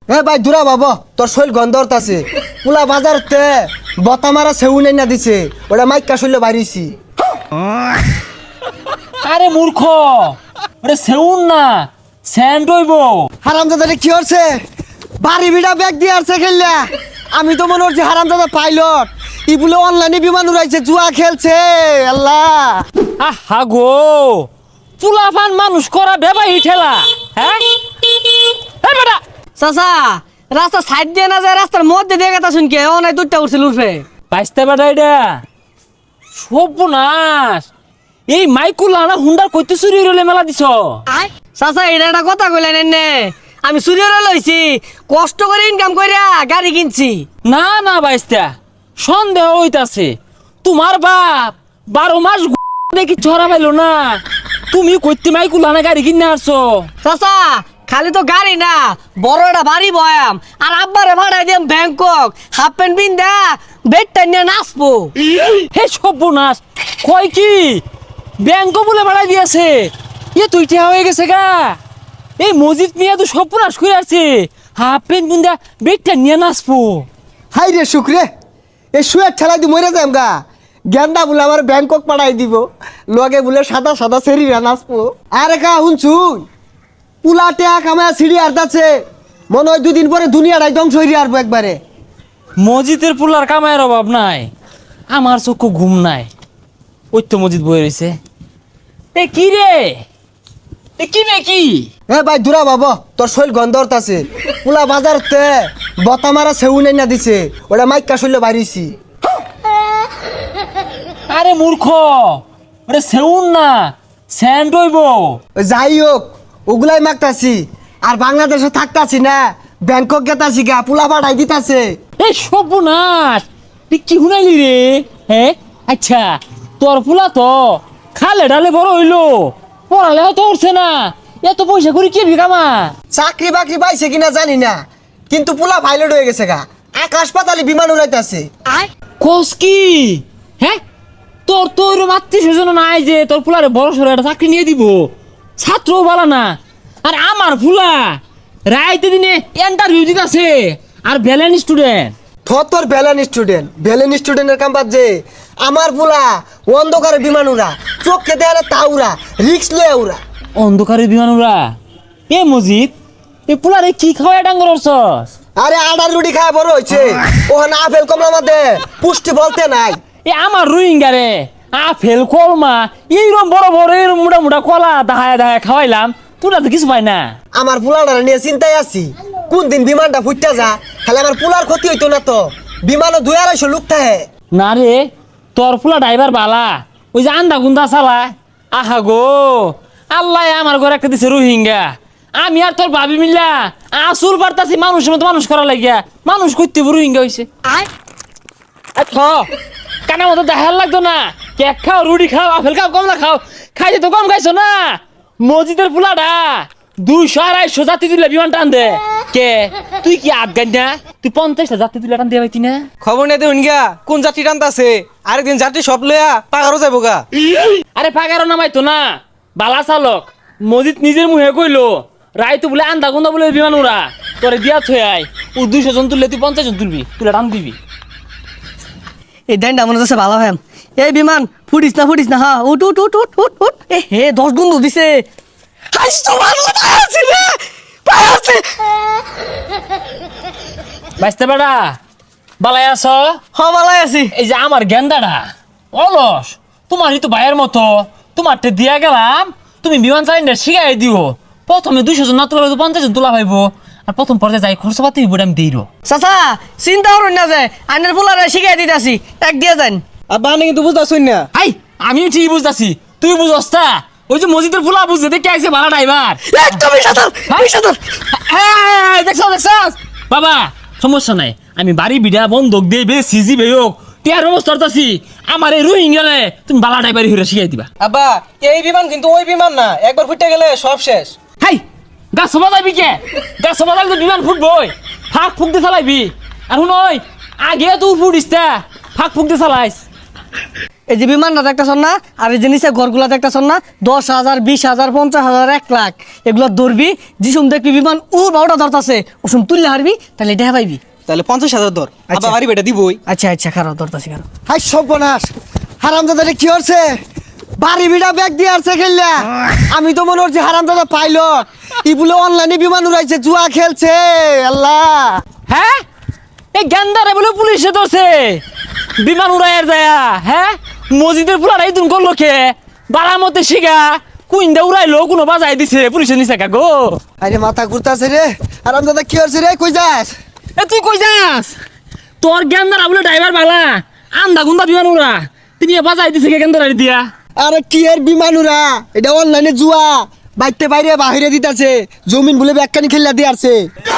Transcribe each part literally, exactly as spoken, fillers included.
এ ভাই দূরা বাবা, তোর শৈল গন্ধরত আছে। পুলা বাজারতে বতা মারা সেউ নাই না দিছে, ওটা মাইকা শৈল বাড়িছি। আরে মূর্খ, ওরে সেউন না, স্যান্ড হইব। হারামজাদা কি হচ্ছে? বাড়ি বিড়া ব্যাগ দিয়ে আসছে খেললা। আমি তো মনে হচ্ছে হারামজাদা পাইলট, ই বলে অনলাইনে বিমান উড়াইছে, জুয়া খেলছে। আল্লাহ আহা গো, চুলাফান মানুষ করা বেবাই ঠেলা। হ্যাঁ এই বেটা চাচা, রাস্তা সাইড দিয়ে না যায়, রাস্তার মধ্যে দিয়ে গেতা শুনকে ও নাই দুধটা উঠছিল উঠবে। বাইসতে বেটা এটা সর্বনাশ। এই মাইকুলা না হুন্ডার কইতে চুরি হইলে মেলা দিছ। চাচা এটা একটা কথা কইলেন এনে, আমি চুরিরে লইছি, কষ্ট করে ইনকাম কইরা গাড়ি কিনছি। না না বাইস্তা, সন্দেহ হইতাছে। তোমার বাপ বারো মাস দেখি ছড়া পাইলো না, তুমি কইতে মাইকুলা না গাড়ি কিনে আসছো। চাচা খালি তো গাড়ি না, বড় একটা বাড়ি বয়াম, আর আব্বারে ভাড়াই দিম ব্যাংকক, হাফ প্যান্ট পিন্দা বেডটা নিয়ে নাচবো। হে সর্বনাশ, কয় কি ব্যাংক বলে বাড়াই দিয়েছে? এ তুই ঠেয়া হয়ে গেছে গা। এই মজিদ মিয়া তো সর্বনাশ করে আছে, হাফ প্যান্ট বুন্দা বেগটা নিয়ে নাচবো। হাই রে শুক্রে, এ শুয়ে ঠেলাই দি মরে যাম গা। গেন্দা বলে আমার ব্যাংকক পাঠাই দিব, লগে বলে সাদা সাদা সেরিরা নাচবো। আরে কা শুনছুন, পুলা টেয়া কামায় সিঁড়ি আর্দাচ্ছে, মনে হয় দুদিন পরে দুনিয়াটাই ধ্বংস হয়ে আসবো একবারে। মসজিদের পুলার কামায়ের অভাব নাই, আমার চক্ষু ঘুম নাই। ওই তো মসজিদ বয়ে রয়েছে। এ কি রে, এ কি রে কি? এ ভাই দূরা বাবা, তোর শৈল গন্ধরত আছে। পুলা বাজারতে বতা মারা সেউ নাই না দিছে, ওটা মাইকা শৈল বাড়িছি। আরে মূর্খ, ওরে সেউন না, স্যান্ড হইব। যাই হোক, ওগুলাই মাগতাছি। আর বাংলাদেশে থাকতাছি না, ব্যাংকক গেতাছি গা, পুলা পাঠাই দিতাছে। এই সর্বনাশ, তুই কি শুনাইলি রে? হ্যাঁ আচ্ছা, তোর ফুলা তো খালে ডালে বড় হইলো, পড়ালেও তো উঠছে না, এত পয়সা করে কি বিকামা? চাকরি বাকরি পাইছে কিনা জানি না, কিন্তু পুলা পাইলট হয়ে গেছে গা, আকাশ পাতালে বিমান উড়াইতাছে। কোস কি? হ্যাঁ তোর তো ওইরকম আত্মীয় স্বজন নাই যে তোর ফুলারে বড় সড়ো একটা চাকরি নিয়ে দিব, ছাত্রও বলা না। আর আমার ফুলা রাইতে দিনে ইন্টারভিউ দিতেছে, আর ব্যালেন্স স্টুডেন্ট। থর তোর ভ্যালেন স্টুডেন্ট, ভ্যালেন স্টুডেন্টের কাম বাদ যে আমার পুলা অন্ধকারে বিমান উড়া, চোখকে দেয়ালে তা উড়া, রিক্স লয়ে উড়া। অন্ধকারে বিমান উড়া? এ মজিদ, এ পুলারে কি খাওয়া ডাঙ্গর অর্চস? আরে আডার রুটি খায় বড় হয়েছে, ওখানে আপেল কমলা মধ্যে পুষ্টি বলতে নাই। এ আমার রোহিঙ্গা রে, আপেল কলমা এইরকম বড় বড় এরকম মোটা মোটা কলা দাহায় দাহায় খাওয়াইলাম, তোরা তো কিছু পাই না। আমার পুলাটা নিয়ে চিন্তায় আছি, কোন দিন বিমানটা ফুটতে যা, খালি আমার পুলার ক্ষতি হইতো না তো। বিমানও দুই আড়াইশো লোক থাকে। না রে, তোর ফুলা ড্রাইভার বালা, ওই যে আন্দা গুন্দা চালা। আহা গো, আল্লাহ আমার ঘরে একটা দিছে রোহিঙ্গা, আমি আর তোর ভাবি মিল্লা আসুর বার্তাছি মানুষের মতো মানুষ করা লাগিয়া, মানুষ করতে রোহিঙ্গা হয়েছে। কানা মতো দেখার লাগতো না, কেক খাও, রুটি খাও, আপেল খাও, কমলা খাও, খাইতে তো কম খাইছো না। মসজিদের ফুলাটা দুইশো আড়াইশো যাত্রী তুলে বিমান টান দে। কে তুই কি আফগান না? তুই পঞ্চাশটা যাত্রী তুলে টান দিয়ে পাইতি না? খবর নেই দেখুন গা, কোন যাত্রী টানতাছে, আরেকদিন যাত্রী সব লইয়া পাগারও যাবো গা। আরে পাগারও নামাইতো না, বালা চালক। মসজিদ নিজের মুহে কইলো রায় তো বলে আন্দা গুন্দা বলে বিমান উড়া, তোরে দিয়া থই আয়, ও দুইশো জন তুললে তুই পঞ্চাশ জন তুলবি, তুলে টান দিবি। এই দেনটা মনে হচ্ছে ভালো হ্যাম। এই বিমান ফুটিস না ফুটিস না, হ্যাঁ উঠ উঠ উঠ উঠ উঠ উঠ। এ হে দশ গুণ দিছে। হাইস তো ভালো পায় আছে রে, পায় আছে। বাইসতে বেড়া বালাই আছ? হ ভালাই আছি। এই যে আমার গেন্দাটা অলস, তোমারই তো ভাইয়ের মতো, তোমারটা দিয়া গেলাম, তুমি বিমান চালিনা শিখাই দিও। প্রথমে দুইশো জন না তোলা পঞ্চাশ জন তোলা পাইবো, আর প্রথম পর্যায়ে যাই খরচ পাতি হইব আমি দিই। চাচা চিন্তা করুন না যে আইনের পোলারে শিখাই দিতেছি, এক দিয়ে যান। আর বানে কিন্তু বুঝতেছুন না। আই আমি ঠিক বুঝতেছি, তুই বুঝস তা? ওই যে মসজিদের ফুলা বুঝতে দেখে আইছে ভাড়া ড্রাইভার। একদমই সাঁতার, আমি সাঁতার। দেখছ দেখছ বাবা, সমস্যা নাই, আমি বাড়ি বিড়া বন্ধক দিয়ে বে সিজি বে হোক টিয়ার ব্যবস্থা করতেছি। আমার এই রোহিঙ্গালে তুমি বালা ড্রাইভারি হইরা শিখাই দিবা। আব্বা এই বিমান কিন্তু ওই বিমান না, একবার ফুটে গেলে সব শেষ। হাই গাছ সবা যাবি কে? গাছ সবা যাবি তো বিমান ফুটবই, ফাঁক ফুক দিয়ে চালাইবি। আর শুন ওই আগে তুই ফুটিস তা, ফাঁক ফুক দিয়ে চালাইস। এই যে বিমানটা দেখতেছন না, আর এই যে নিচে ঘরগুলা দেখতেছন না, দশ হাজার বিশ হাজার পঞ্চাশ হাজার এক লাখ এগুলো ধরবি। যিসুম দেখবি বিমান ও বারোটা ধরতাছে, ওসুম তুললে হারবি, তাহলে এটা পাইবি। তাহলে পঞ্চাশ হাজার ধর, আচ্ছা। আবার বাড়ি বেটা দিবই। আচ্ছা আচ্ছা, খারাপ ধরতাছি খারাপ। হাই সর্বনাশ, হারামজাদারে কি হচ্ছে? বাড়ি বিড়া ব্যাগ দিয়ে আসছে খেললা। আমি তো মনে হচ্ছে হারামজাদা পাইলট, ই বলে অনলাইনে বিমান উড়াইছে, জুয়া খেলছে। আল্লাহ, হ্যাঁ এই গেন্দারে বলে পুলিশে ধরছে বিমান উড়াইয়ার যায়া। হ্যাঁ মসজিদের পুলার এই দিন করলো খে বাড়ার মধ্যে শিখা কুইন্দা উড়াইলো, কোনো বাজাই দিছে পুলিশে নিছে কা গো। আরে মাথা ঘুরতাছে রে। হারামজাদা কি হচ্ছে রে? কই যাস? এ তুই কই যাস? তোর গেন্দারা বলে ড্রাইভার বালা আন্দা গুন্দা বিমান উড়া, তিনি বাজাই দিছে কে গেন্দারা দিয়া। আরে কি এর বিমান উড়া? এটা অনলাইনে জুয়া, বাইতে বাইরে বাহিরে দিতাছে, জমিন বলে ব্যাগখানি খেললা দিয়ে আসছে।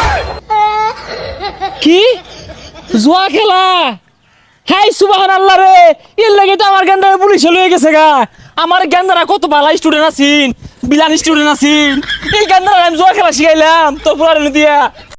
কি জুয়া খেলা? হাই সুবহান আল্লাহ রে, এর লাগে তো আমার গেন্দারা পুলিশে লয়ে গেছে গা। আমার গেন্দারা কত ভালো স্টুডেন্ট আছিন, বিলান স্টুডেন্ট আছিন, এই গেন্দারা আমি জুয়া খেলা শিখাইলাম তোর পুরানো দিয়া।